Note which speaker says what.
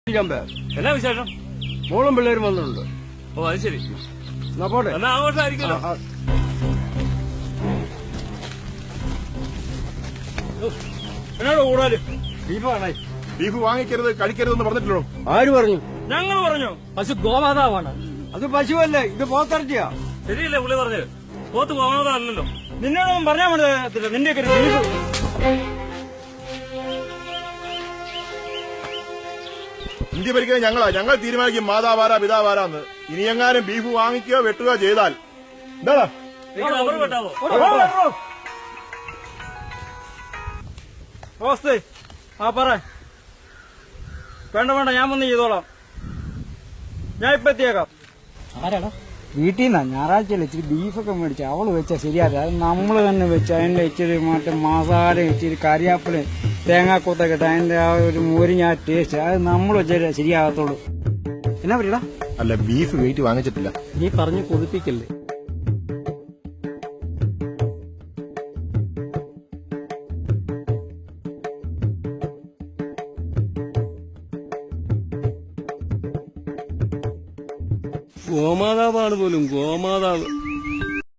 Speaker 1: എന്നാ വിശേഷം?
Speaker 2: മോളും പിള്ളേരും വന്നിട്ടുണ്ട്.
Speaker 1: ഓ അത് ശരി.
Speaker 2: എന്നാ പോട്ടെ.
Speaker 1: എന്നാ ആഘോഷമായിരിക്കുമല്ലോ. എന്നോട് കൂടാല്
Speaker 3: ബീഫ് വാങ്ങിക്കരുത് കഴിക്കരുതെന്ന് പറഞ്ഞിട്ടുള്ളൂ.
Speaker 2: ആര് പറഞ്ഞു?
Speaker 1: ഞങ്ങൾ പറഞ്ഞു.
Speaker 4: പശു ഗോമാതാവാണ്.
Speaker 2: അത് പശുവല്ലേ, ഇത് പോത്തിറച്ചിയാ.
Speaker 1: ശരിയല്ലേ പുള്ളി പറഞ്ഞത്? പോത്ത് ഗോമാതല്ലോ.
Speaker 4: നിന്നോടൊന്നും പറഞ്ഞാൽ മനസ്സിലാകത്തില്ല. നിന്റെയൊക്കെ ഒരു ബീഫ്.
Speaker 3: ഇന്ത്യ ഭരിക്കുന്നത് ഞങ്ങൾ തീരുമാനിക്കും മാതാവാരാ പിതാവാരാന്ന്. ഇനി എങ്ങാനും ബീഫ് വാങ്ങിക്കുകയോ വെട്ടുകയോ ചെയ്താൽ എന്താടാ
Speaker 1: അവർ വെട്ടാവോ?
Speaker 4: ഓസ്തേ പറ. വേണ്ട ഞാൻ വന്ന് ചെയ്തോളാം. ഞാൻ ഇപ്പൊ എത്തിയേക്കാം. ആരാടാ? വീട്ടിൽ നിന്നാ ഞായറാഴ്ച ഇച്ചിരി ബീഫൊക്കെ മേടിച്ചു. അവള് വെച്ചാൽ ശരിയാതെ അത് നമ്മൾ തന്നെ വെച്ച് അതിന്റെ ഇച്ചിരി മറ്റേ മസാല ഇച്ചിരി കരിയാപ്പില് തേങ്ങാക്കൂത്തൊക്കെ ഇട്ട് അതിന്റെ ആ ഒരു മോരിഞ്ഞ ടേസ്റ്റ് അത് നമ്മൾ വെച്ചാൽ ശരിയാകത്തുള്ളൂ. എന്നാ പറയടാ?
Speaker 3: അല്ല ബീഫ് വെയിറ്റ് വാങ്ങിച്ചിട്ടില്ല.
Speaker 4: നീ പറഞ്ഞു കൊതിപ്പിക്കല്ലേ.
Speaker 1: ഗോമാതാവാണ് പോലും ഗോമാതാവ്.